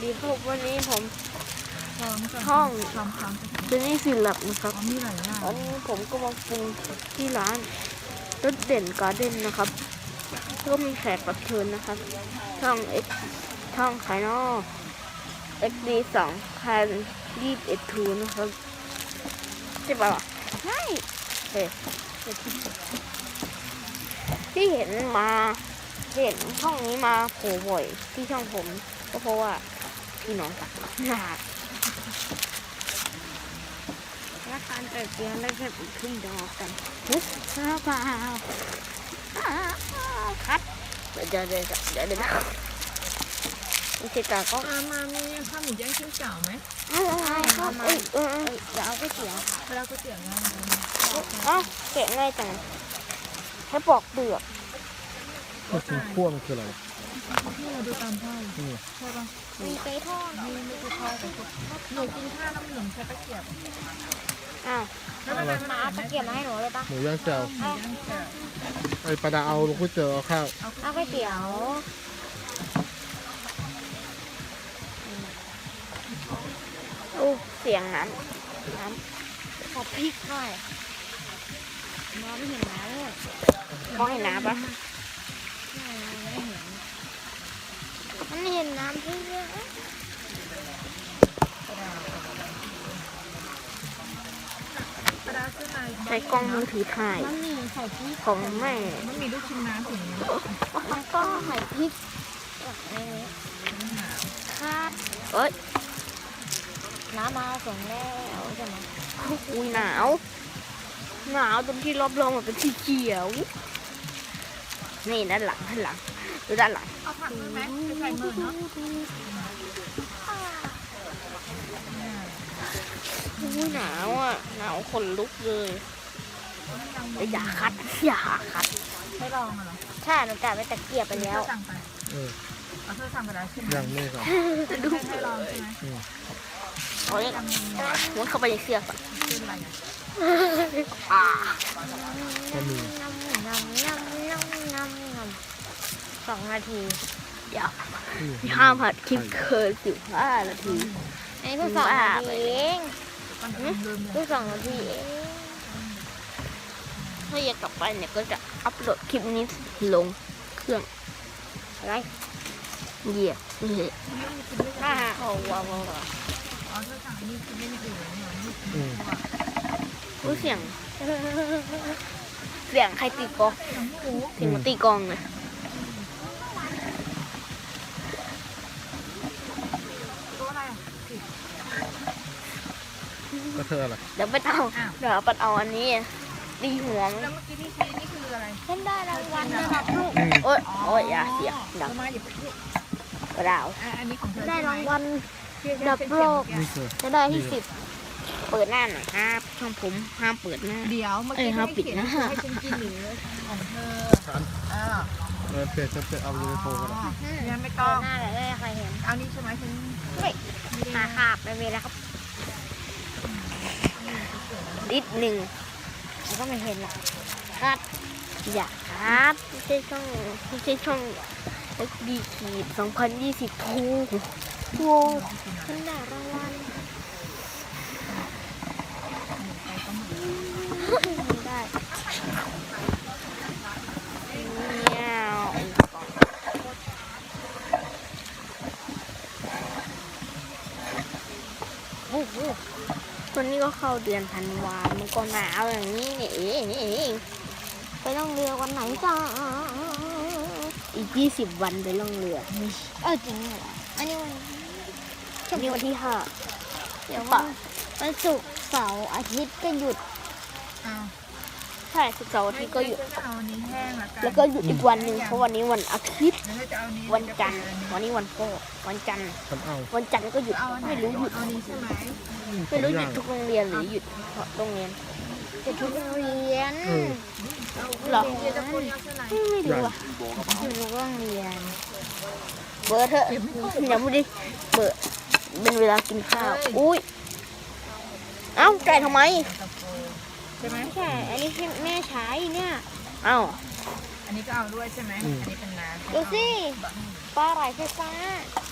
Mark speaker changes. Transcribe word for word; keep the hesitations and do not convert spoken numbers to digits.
Speaker 1: ครับวันนี้ผม
Speaker 2: ช่อง
Speaker 1: ช่อง
Speaker 2: ช่องช่อง
Speaker 1: เจนนี่สิลับนะครับ
Speaker 2: มีหลายอย่าง
Speaker 1: วันนี้ผมก็มาปรุงที่ร้านรสเด่นการ์เด้นนะครับก็มีแขกรับเชิญนะครับ ช่องเอ็กช่องไข่นอเอ็กดีสองพันยี่สิบเอ็ดทูนะครับใช่ป่ะใช่เฮ้ที่เห็นมาเห็นช่องนี้มาโผล่บ่อยที่ช่องผมก็เพราะว่าพี่น้องกันหนาและการเติบโตได้แค่ขึ้นดอกกันฮึบข้าวเปล่าคัดเดี๋ยวเดี๋ยวเดี๋ยวเดี๋ยวเดี๋ยวไม่ใช่ตาก็
Speaker 2: มามามีข้าวหมูย่างชิ้นเก่าไหม
Speaker 1: เอาเอาเอาเอ้ยเออเออเดี๋ยวเอาก๋วยเตี๋ยว
Speaker 2: เวลาก๋วยเตี๋ยวง่าย
Speaker 1: เอ้าเกะง่ายจังให้ปอกเปลือก
Speaker 3: ก็กินขั้วมันคืออะไร
Speaker 2: ที่เราดูตามพ่อ
Speaker 3: นี่
Speaker 2: ใช่ป่ะ
Speaker 1: มีไก่ทอด
Speaker 2: มีไม่ใช่ทอดแต่หนูกินข้าวน้ำหนึ่งใช้ตะเกียบ
Speaker 1: อ้าว
Speaker 2: แล้วมันมา
Speaker 1: เอาตะเกียบมาให้หนูเลยปะ
Speaker 3: หมูย่างแจ่ว
Speaker 2: หมูย่างแจ่ว
Speaker 3: ไอ้ปลาดาเอาลูกก๋วยเตี๋ยวเอาข้าว
Speaker 1: เอาก๋วยเตี๋ยวโอ้เสียงน้ำน้ำขอพริกหน่อยมองไม่เห็นน้ำเลยมองเห็นน้ำปะมันเห็นน้ำที่เยอะ
Speaker 2: กระดาษเส้นใน
Speaker 1: ใช้กล้องมือถือถ่าย
Speaker 2: มันมีใส่พริก
Speaker 1: ของแม่
Speaker 2: มันมีลูกชิ้นน้ำถึงนี้
Speaker 1: แล้วก็ใส่พริกในนี้ครับเอ้ยน้ำมาส่งแล้วใช่ไหมอุ้ยหนาวหนาวตรงที่รอบรองมันเป็นสีเขียวนี่ด้านหลังด้านหลังดูด้านหลัง
Speaker 2: เอาผักด้วยไหมไปใส่มือเนาะ
Speaker 1: อุ้ยหนาวอ่ะหนาวขนลุกเลยอย่าคัดอย่าคัด
Speaker 2: ให้ลองเหรอ
Speaker 1: ใช่หนูจ่ายไปตะเกียบไปแล้ว
Speaker 2: สั่งไป
Speaker 3: เออ
Speaker 2: เอาเธอสั่งไปแล้วใช่ไหม
Speaker 3: ย่างนี่ก่อน
Speaker 1: ดู
Speaker 2: ให้ลองใช่ไหม
Speaker 3: อืม
Speaker 1: โอ้ยมุดเข้าไปในเสื้อก่อน
Speaker 2: เป็นอะไรอ่ะ
Speaker 1: อ่า
Speaker 3: ก็มี
Speaker 1: น้ำน้ำน้ำน้ำน้ำน้ำสองนาที เดี๋ยว
Speaker 3: อืม
Speaker 1: ห้ามผัดคลิปเกินสิบห้านาทีไอ้เพิ่งสองนาทีเอง
Speaker 2: มันลืมเลย
Speaker 1: เพิ่งสองนาทีเองถ้าอยากกลับไปเนี่ยก็จะอัพโหลดคลิปนี้ลงเครื่องอะไรเหยียบเหยียบอ่าโอ้ว้าวว้าว
Speaker 2: อ๋อเธอสั่งนี่คือไม่มีอื่นเลยเนี่ยนี่
Speaker 3: อืม
Speaker 1: รู้เสียง เสียงใครตีกลอง
Speaker 2: อย่างหมู
Speaker 1: เสียงมันตีกลองเลย
Speaker 2: ตัวอะไรอ่ะ
Speaker 3: ก็เธออะไร
Speaker 1: เดี๋ยวไปเอาเดี๋ยวไปเอาอันนี้ตีหัว
Speaker 2: แล้วเมื่อกี้ที่ชี้นี่คืออะไร
Speaker 1: ฉันได้รางวัลนะครับลูก
Speaker 3: อืม
Speaker 1: โอ้ยโอ้ยอย่าเสียงดัง
Speaker 2: มาหยิบที่
Speaker 1: กระดาว
Speaker 2: อันนี้ของเธอ
Speaker 1: ได้รางวัล ดับโลก
Speaker 3: นี่คือ
Speaker 1: จะได้ที่สิบเปิดหน้าหน่อยครับช่องผมห้ามเปิดหน้า
Speaker 2: เดี๋ยวเมื่อ
Speaker 1: เอ้
Speaker 2: กี้
Speaker 1: ยเขา
Speaker 2: ให้
Speaker 1: ปิด
Speaker 2: เขียน
Speaker 1: นะ
Speaker 2: ให้ฉันกินหรือของเธอ
Speaker 3: ฉัน
Speaker 2: อ่า
Speaker 3: เออเปลี่ยนจะเปลี่ยนเอายูนิโฟกัน
Speaker 2: งั้นไม่
Speaker 1: เปิ
Speaker 2: ต้อ
Speaker 1: ด
Speaker 2: ง
Speaker 1: หน้าเลยได้ใครเห็น
Speaker 2: เอานี้ใช่ไหมฉัน
Speaker 1: เฮ้ยหาขาบไปเวแล้วครับนิดหนึ่งแล้วก็ไม่เห็นหรอกครับอย่าครับไม่ใช่ช่องไม่ใช่ช่องเอ็กดีขีดสองพันยี่สิบทูโว้ฉันได้รางวัลได้เงี้ยวโอ้โหวันนี้ก็เข้าเดือนธันวา มันก็หนาวอย่างนี้นี่เองนี่เองไปล่องเรือวันไหนจ้าอีกยี่สิบวันไปล่องเรือเออจริงเหรออันนี้วันอันนี้วันที่ห้าเดี๋ยววันวันศุกร์เสาร์อาทิตย์ก็หยุด
Speaker 2: เอา
Speaker 1: ใช่ศุกร์เสาร์อาทิตย์ก็หยุด
Speaker 2: จะเอานี้แห้งละกัน
Speaker 1: แล้วก็หยุดอีกวันหนึ่งเพราะวันนี้วันอาทิตย์
Speaker 2: แล้วจะเอานี้
Speaker 1: วันจันทร์วันนี้วันพ่อวันจันทร์
Speaker 3: ฉันเอา
Speaker 1: วันจันทร์ก็หยุด
Speaker 2: เอาอันไหน
Speaker 1: ไม่รู้หยุด
Speaker 2: เอานี้ใช่ไหม
Speaker 1: ไม่รู้หยุดทุกโรงเรียนหรือหยุดเฉพาะโรงเรียนหยุดทุกโรงเรียน
Speaker 3: เออ
Speaker 1: เหรอ
Speaker 2: เดี๋ยวจะพูดเอาเท่าไหร่
Speaker 1: ไม่รู้อ่ะอยู่ทุกโรงเรียนเบอร์เถอะอย่าพูดดิเบอร์เป็นเวลากินข้าวอุ้ยเอ้าแกะทำไม
Speaker 2: ใช่ไหม
Speaker 1: ไม่ใช่อันนี้ที่แม่ใช้เนี่ยเอ้า
Speaker 2: อันนี้ก็เอาด้วยใช่ไหมอันนี้เป็นน้ำ
Speaker 1: ดูสิปลาไหลไฟฟ้า